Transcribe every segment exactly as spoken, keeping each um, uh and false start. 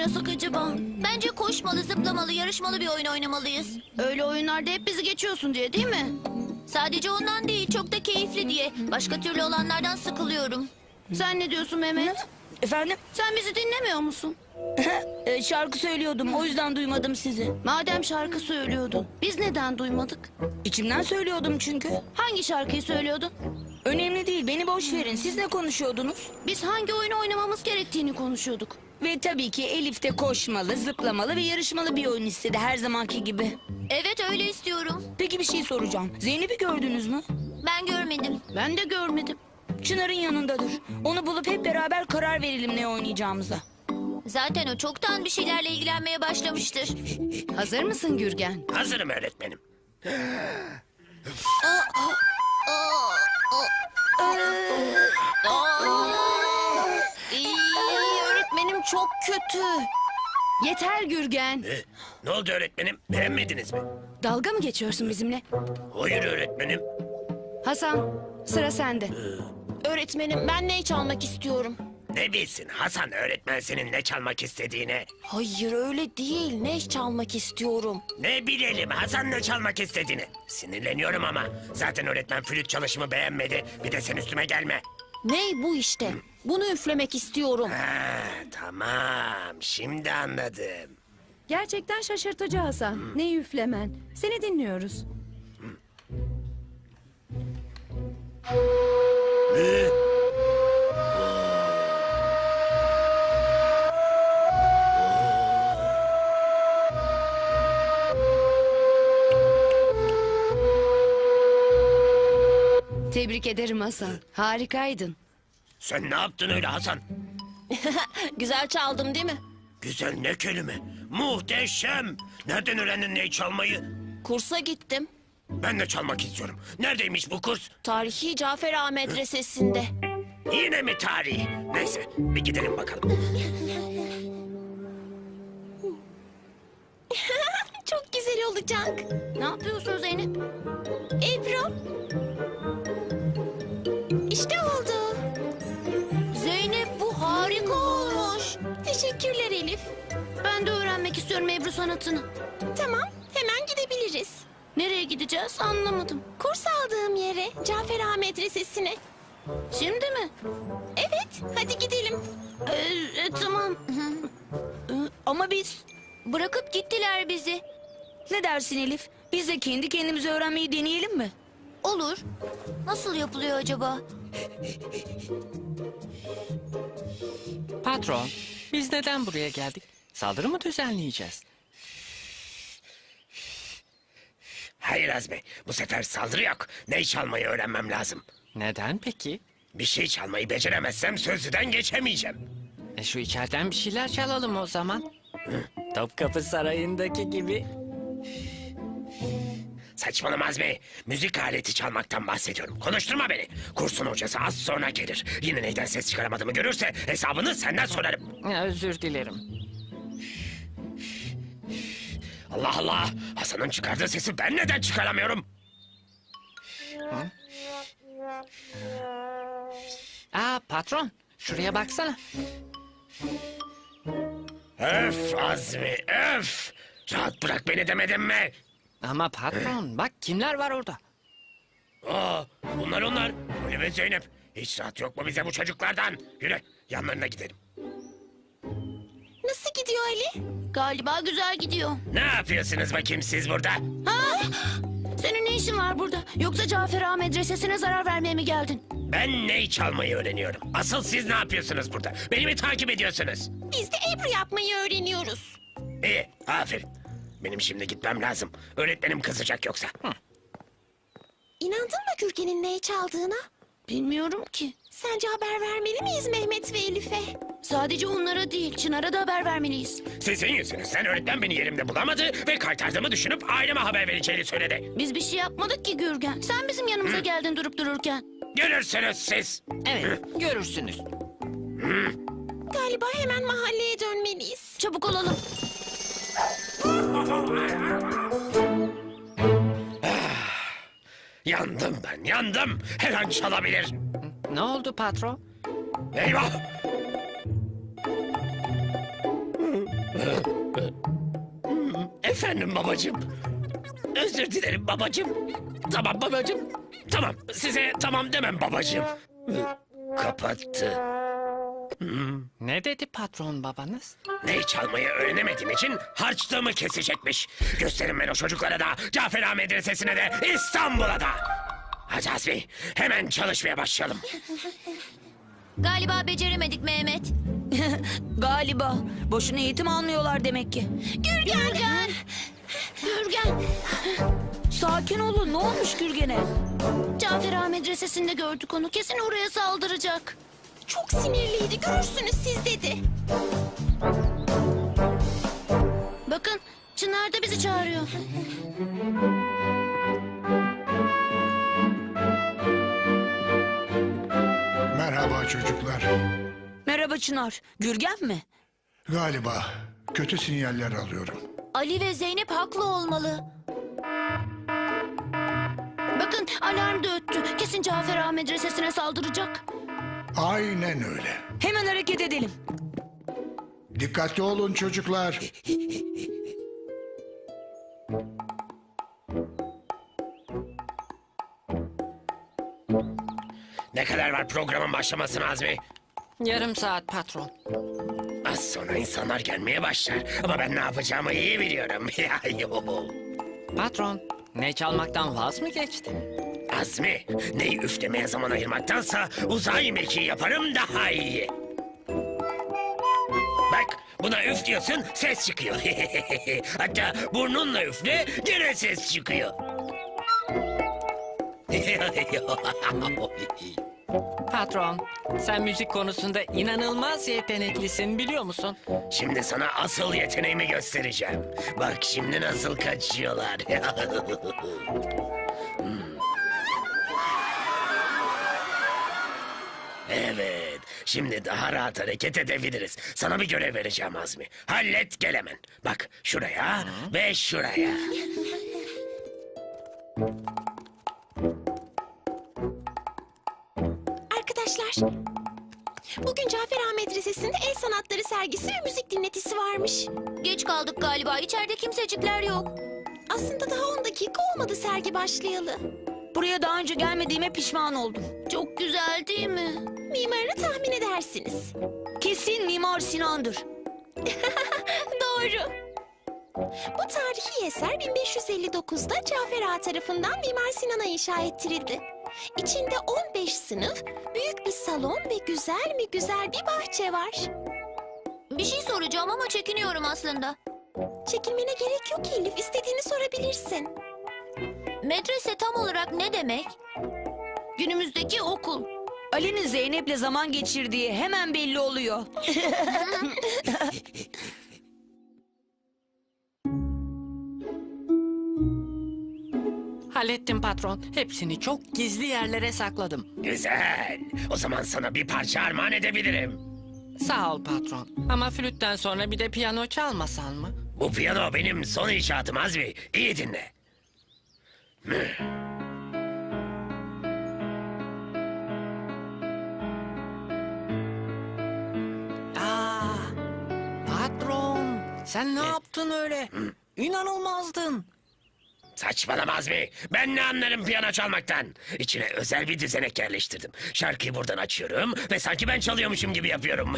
oynasak acaba? Bence koşmalı, zıplamalı, yarışmalı bir oyun oynamalıyız. Öyle oyunlarda hep bizi geçiyorsun diye değil mi? Sadece ondan değil, çok da keyifli diye. Başka türlü olanlardan sıkılıyorum. Sen ne diyorsun Mehmet? Efendim? Sen bizi dinlemiyor musun? E, şarkı söylüyordum, o yüzden duymadım sizi. Madem şarkı söylüyordun, biz neden duymadık? İçimden söylüyordum çünkü. Hangi şarkıyı söylüyordun? Önemli değil, beni boş verin. Siz ne konuşuyordunuz? Biz hangi oyunu oynamamız gerektiğini konuşuyorduk. Ve tabii ki Elif de koşmalı, zıplamalı ve yarışmalı bir oyun istedi her zamanki gibi. Evet, öyle istiyorum. Peki bir şey soracağım. Zeynep'i gördünüz mü? Ben görmedim. Ben de görmedim. Çınar'ın yanındadır. Onu bulup hep beraber karar verelim ne oynayacağımıza. Zaten o çoktan bir şeylerle ilgilenmeye başlamıştır. Hazır mısın Gürgen? Hazırım öğretmenim. İyi, öğretmenim çok kötü. Yeter Gürgen. E, ne oldu öğretmenim? Beğenmediniz mi? Dalga mı geçiyorsun bizimle? Hayır öğretmenim. Hasan, sıra sende. Öğretmenim ben ney çalmak istiyorum. Ne bilsin Hasan öğretmen senin ne çalmak istediğini. Hayır öyle değil. Ney çalmak istiyorum. Ne bilelim Hasan ne çalmak istediğini. Sinirleniyorum ama. Zaten öğretmen flüt çalışımı beğenmedi. Bir de sen üstüme gelme. Ney bu işte. Bunu üflemek istiyorum. Ha, tamam şimdi anladım. Gerçekten şaşırtıcı Hasan. Ne üflemen. Seni dinliyoruz. Ne? Tebrik ederim Hasan. Harikaydın. Sen ne yaptın öyle Hasan? Güzel çaldım değil mi? Güzel ne kelime. Muhteşem. Nereden öğrendin neyi çalmayı? Kursa gittim. Ben de çalmak istiyorum. Neredeymiş bu kurs? Tarihi Cafer Ağa Medresesi'nde. Yine mi tarih? Neyse bir gidelim bakalım. Çok güzel olacak. Ne yapıyorsun Zeynep? Ebru. İşte oldu. Zeynep, bu harika olmuş. Teşekkürler Elif. Ben de öğrenmek istiyorum Ebru sanatını. Tamam hemen gidebiliriz. Nereye gideceğiz anlamadım. Kurs aldığım yere Cafer Ağa Medresesi'ne. Şimdi mi? Evet hadi gidelim. Ee, e, tamam. Ama biz... Bırakıp gittiler bizi. Ne dersin Elif? Biz de kendi kendimize öğrenmeyi deneyelim mi? Olur. Nasıl yapılıyor acaba? Patron, biz neden buraya geldik? Saldırı mı düzenleyeceğiz? Hayır Azmi, bu sefer saldırı yok. Neyi çalmayı öğrenmem lazım. Neden peki? Bir şey çalmayı beceremezsem sözlüden geçemeyeceğim. E şu içeriden bir şeyler çalalım o zaman. Topkapı Sarayı'ndaki gibi. Saçmalama Azmi. Müzik aleti çalmaktan bahsediyorum. Konuşturma beni. Kursun hocası az sonra gelir. Yine neyden ses çıkaramadığımı görürse hesabını senden sorarım. Ya, özür dilerim. Allah Allah. Hasan'ın çıkardığı sesi ben neden çıkaramıyorum? Aa patron, şuraya baksana. Öf Azmi öf. Rahat bırak beni demedim mi? Ama patron, bak kimler var orada. Aa, bunlar onlar. Ali ve Zeynep. Hiç rahat yok mu bize bu çocuklardan? Yürü yanlarına gidelim. Nasıl gidiyor Ali? Galiba güzel gidiyor. Ne yapıyorsunuz bakayım siz burada? Ha? Senin ne işin var burada? Yoksa Cafer Ağa Medresesi'ne zarar vermeye mi geldin? Ben ney çalmayı öğreniyorum. Asıl siz ne yapıyorsunuz burada? Beni mi takip ediyorsunuz? Biz de Ebru yapmayı öğreniyoruz. İyi, aferin. Benim şimdi gitmem lazım. Öğretmenim kızacak yoksa. Hı. İnandın mı Gürgen'in ney çaldığına? Bilmiyorum ki. Sence haber vermeli miyiz Mehmet ve Elif'e? Sadece onlara değil, Çınar'a da haber vermeliyiz. Sizin yüzünüzden öğretmen beni yerimde bulamadı ve kaytardığımı düşünüp aileme haber vereceğini söyledi. Biz bir şey yapmadık ki Gürgen. Sen bizim yanımıza geldin durup dururken. Görürsünüz siz. Evet, görürsünüz. Galiba hemen mahalleye dönmeliyiz. Çabuk olalım. Yandım ben, yandım. Her an çalabilir. Ne oldu patron? Eyvah! Efendim babacığım. Özür dilerim babacığım. Tamam babacığım. Tamam size tamam demem babacığım. Kapattı. Ne dedi patron babanız? Ney çalmayı öğrenemediğim için harçlığımı kesecekmiş. Gösterin ben o çocuklara da, Cafer Ağa Medresesi'ne de, İstanbul'a da. Hadi Azmi, hemen çalışmaya başlayalım. Galiba beceremedik Mehmet. Galiba. Boşuna eğitim almıyorlar demek ki. Gürgen. Gürgen. Gürgen, Sakin olun. Ne olmuş Gürgen'e? Cafer Ağa Medresesi'nde gördük onu. Kesin oraya saldıracak. Çok sinirliydi. Görürsünüz siz dedi. Bakın, Çınar da bizi çağırıyor. Merhaba çocuklar. Merhaba Çınar. Gürgen mi? Galiba kötü sinyaller alıyorum. Ali ve Zeynep haklı olmalı. Bakın, alarm da öttü. Kesin Cafer Ağa Medresesi'ne saldıracak. Aynen öyle. Hemen hareket edelim. Dikkatli olun çocuklar. Ne kadar var programın başlamasına Azmi? Yarım saat patron. Az sonra insanlar gelmeye başlar. Ama ben ne yapacağımı iyi biliyorum. Patron, ne çalmaktan vaz mı geçtin? Azmi, neyi üflemeye zaman ayırmaktansa uzay mekiği yaparım daha iyi. Bak, buna üf diyorsun, ses çıkıyor. Hatta burnunla üfle, gene ses çıkıyor. Patron, sen müzik konusunda inanılmaz yeteneklisin biliyor musun? Şimdi sana asıl yeteneğimi göstereceğim. Bak şimdi nasıl kaçıyorlar. Hmm. Evet, şimdi daha rahat hareket edebiliriz. Sana bir görev vereceğim Azmi. Hallet gel hemen. Bak şuraya ve şuraya. Arkadaşlar, bugün Cafer Ağa Medresesi'nde el sanatları sergisi ve müzik dinletisi varmış. Geç kaldık galiba. İçeride kimsecikler yok. Aslında daha on dakika olmadı sergi başlayalı. Buraya daha önce gelmediğime pişman oldum. Çok güzel değil mi? Mimarını tahmin edersiniz. Kesin Mimar Sinan'dır. Doğru. Bu tarihi eser bin beş yüz elli dokuzda Cafer Ağa tarafından Mimar Sinan'a inşa ettirildi. İçinde on beş sınıf, büyük bir salon ve güzel mi güzel bir bahçe var. Bir şey soracağım ama çekiniyorum aslında. Çekinmene gerek yok Elif, istediğini sorabilirsin. Medrese tam olarak ne demek? Günümüzdeki okul. Ali'nin Zeynep'le zaman geçirdiği hemen belli oluyor. Hallettim patron. Hepsini çok gizli yerlere sakladım. Güzel. O zaman sana bir parça armağan edebilirim. Sağ ol patron. Ama flütten sonra bir de piyano çalmasan mı? Bu piyano benim son icatım Azmi. İyi dinle. Aa, patron, sen ne yaptın öyle? İnanılmazdın. Saçmalama Azmi. Ben ne anlarım piyano çalmaktan. İçine özel bir düzenek yerleştirdim. Şarkıyı buradan açıyorum ve sanki ben çalıyormuşum gibi yapıyorum.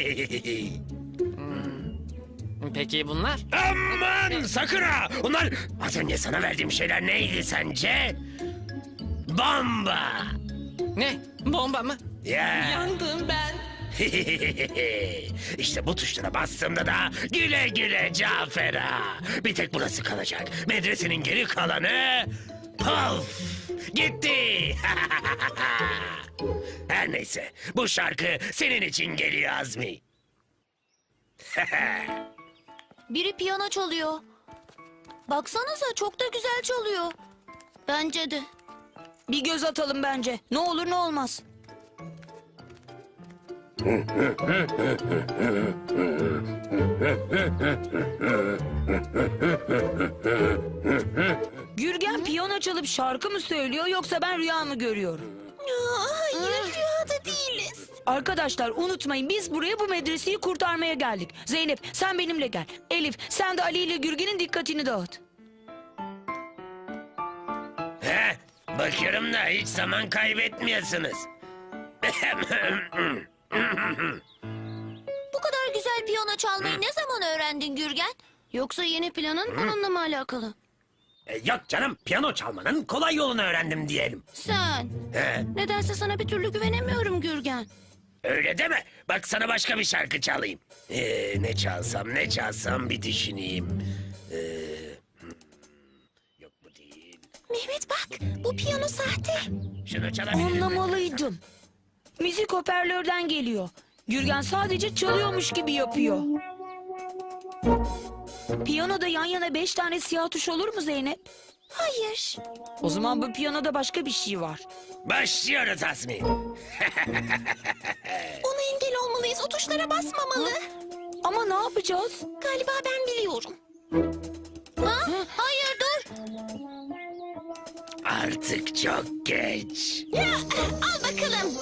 Peki bunlar? Aman sakın ha! Onlar az önce sana verdiğim şeyler neydi sence? Bomba! Ne? Bomba mı? Ya. Yandım ben. İşte bu tuşlara bastığımda da güle güle Cafer Ağa. Bir tek burası kalacak. Medresenin geri kalanı... Puf! Gitti! Her neyse bu şarkı senin için geliyor Azmi. Biri piyano çalıyor. Baksanıza çok da güzel çalıyor. Bence de. Bir göz atalım bence. Ne olur ne olmaz. Gürgen piyano çalıp şarkı mı söylüyor yoksa ben rüya mı görüyorum? Aa, hayır, rüyada değiliz. Arkadaşlar unutmayın biz buraya bu medreseyi kurtarmaya geldik. Zeynep sen benimle gel. Elif sen de Ali ile Gürgen'in dikkatini dağıt. He, bakıyorum da hiç zaman kaybetmiyorsunuz. Bu kadar güzel piyano çalmayı ne zaman öğrendin Gürgen? Yoksa yeni planın bununla mı alakalı? E, Yok canım, piyano çalmanın kolay yolunu öğrendim diyelim. Sen. He, Nedense sana bir türlü güvenemiyorum Gürgen. öyle deme. Bak sana başka bir şarkı çalayım. Ee, ne çalsam ne çalsam bir düşüneyim. Ee, hmm, yok bu değil. Mehmet bak, bu piyano sahte. Şunu çalabilir miyim? Anlamalıydım. Müzik hoparlörden geliyor. Gürgen sadece çalıyormuş gibi yapıyor. Piyanoda yan yana beş tane siyah tuş olur mu Zeynep? Hayır. O zaman bu piyanoda başka bir şey var. Başlıyoruz Azmi. Ona engel olmalıyız. O tuşlara basmamalı. Ama ne yapacağız? Galiba ben biliyorum. Ha? Hayır dur. Artık çok geç. Ya, al bakalım.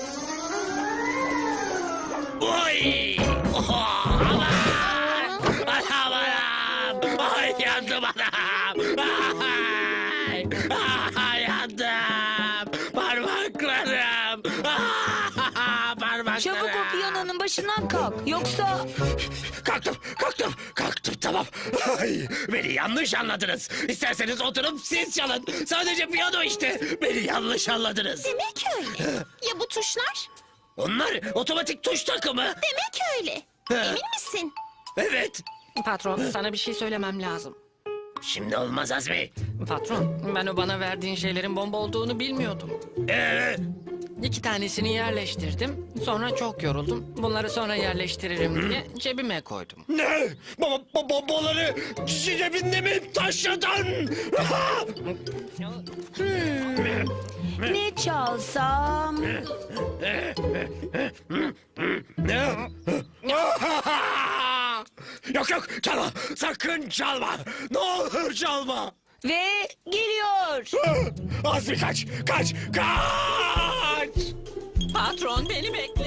Oy! Oha! Aman! Anam anam! Ay yandım anam! Ay! Ay yandım! Parmaklarım! Ah, parmaklarım! Çabuk o piyanonun başından kalk. Yoksa Kalktım, kalktım, kalktım tamam. Ay, beni yanlış anladınız. İsterseniz oturup siz çalın. Sadece piyano işte. Beni yanlış anladınız. Demek öyle. Ya bu tuşlar? Onlar otomatik tuş takımı. Demek öyle. Emin misin? Evet. Patron, sana bir şey söylemem lazım. Şimdi olmaz Azmi. Patron, ben o bana verdiğin şeylerin bomba olduğunu bilmiyordum. Ee, İki tanesini yerleştirdim. Sonra çok yoruldum. Bunları sonra yerleştiririm diye cebime koydum. ne? Baba bo bombaları cebinde mi taşıdın? ne çalsam? Ne? Yok yok çalma. Sakın çalma. Ne olur çalma. Ve geliyor. Azmi kaç, kaç, kaç! Patron beni bekle.